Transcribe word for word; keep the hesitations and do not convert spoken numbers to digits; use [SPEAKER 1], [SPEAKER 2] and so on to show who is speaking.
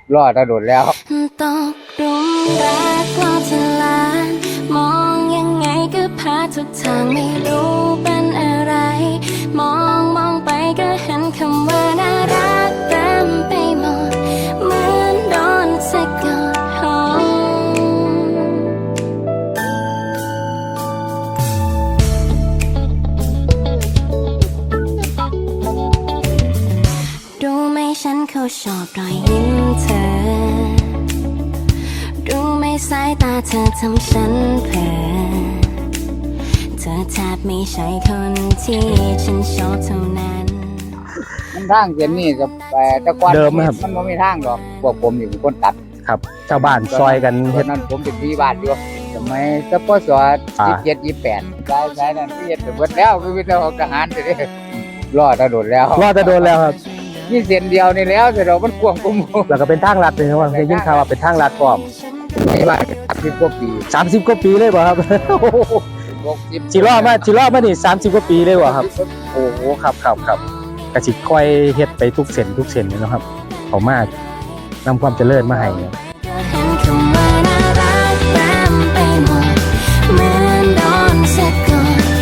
[SPEAKER 1] รอดโดดแล้ว
[SPEAKER 2] ตกหลุมรักกว่าจะลานมองยังไงก็พาทุกทางไม่รู้เป็นอะไรมองมองไปก็เห็นคำว่าน่ารักเต็มไปหมดเหมือนโดนสะกดหงดูไหมฉันเขาชอบรอยยิ้มเธอดูไหมสายตาเธอทำฉันเผลอเธอแทบไม่ใช่คนที่ฉันชอบเท่านั้น
[SPEAKER 1] มันทางเส้นนี้กับแต่ก่อนเดิมนะครับมันไม่มีทางหรอกพวกผมอยู่เป็นคนตัด
[SPEAKER 3] ครับชาวบ้านซอยกัน
[SPEAKER 1] ตอนนั้นผมเป็นที่บ้านอยู่สมัยสปสยี่สิบเจ็ดยี่สิบแปดใช่ใช่นั่นที่เห็นเป็นหมดแล้วคือเป็นทหารเลยรอดโดดแล้ว
[SPEAKER 3] รอดโดดแล้วครับ
[SPEAKER 1] นี่เส้นเดียวนี่แล้วแต่เรามันกว้างกว่าหมู่
[SPEAKER 3] แล้วก็เป็นทางลัดเลยครับว่าเคยยินข่าวว่าเป็นทางลัดพร้อม
[SPEAKER 1] ไม่ว่าสิบกว่าปี
[SPEAKER 3] สามสิบกว่าปีเลยบ่ครับจิรอมาจิรอมานี่สามสิบกว่าปีเลยบ่ครับโอ้โหครับครับครับกระสิค่อยเฮ็ดไปทุกเส้นทุกเส้นเลยนะครับเขามากนำความเจริญมาให้
[SPEAKER 2] เหมือนโดนสะกด